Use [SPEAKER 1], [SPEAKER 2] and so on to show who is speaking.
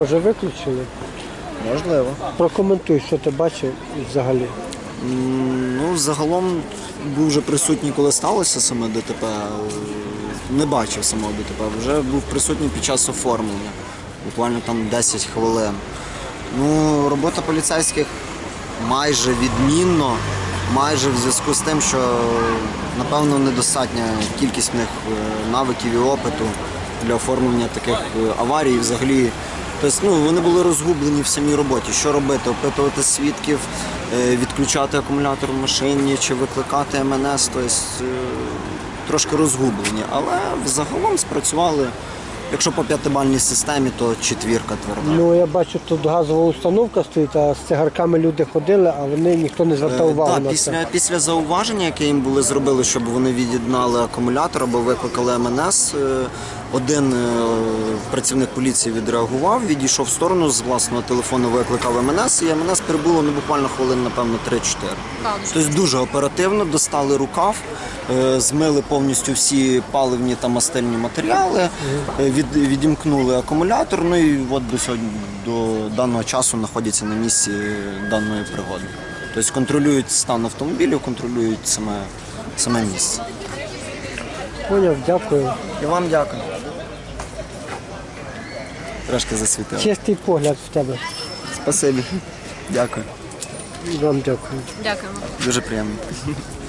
[SPEAKER 1] Вже виключили?
[SPEAKER 2] Можливо.
[SPEAKER 1] Прокоментуй, що ти бачив взагалі.
[SPEAKER 2] Ну, загалом був вже присутній, коли сталося саме ДТП. Не бачив самого ДТП. Вже був присутній під час оформлення. Буквально там 10 хвилин. Ну, робота поліцейських майже відмінно. Майже в зв'язку з тим, що, напевно, недостатня кількість в них навиків і опиту для оформлення таких аварій. Взагалі, тобто, вони були розгублені в самій роботі. Що робити? Опитувати свідків, відключати акумулятор в машині чи викликати МНС. Тобто, трошки розгублені. Але загалом спрацювали. Якщо по п'ятибальній системі, то 4 тверда.
[SPEAKER 1] Ну, я бачу, тут газова установка стоїть, а з цигарками люди ходили, а ніхто не звертав увагу на це.
[SPEAKER 2] Після зауваження, яке їм були зробили, щоб вони від'єднали акумулятор або викликали МНС, один працівник поліції відреагував, відійшов в сторону, з власного телефону викликав МНС, і МНС прибуло буквально хвилин, напевно, 3-4. Тобто дуже оперативно достали рукав, змили повністю всі паливні та мастильні матеріали, відімкнули акумулятор, ну і от до даного часу знаходяться на місці даної пригоди. Тобто контролюють стан автомобілів, контролюють саме місце.
[SPEAKER 1] Поняв, дякую.
[SPEAKER 2] І вам дякую. Трошки засвітили.
[SPEAKER 1] Чистий погляд в тебе.
[SPEAKER 2] Спасибі. Дякую.
[SPEAKER 1] Вам дякую.
[SPEAKER 3] Дякуємо.
[SPEAKER 2] Дуже приємно.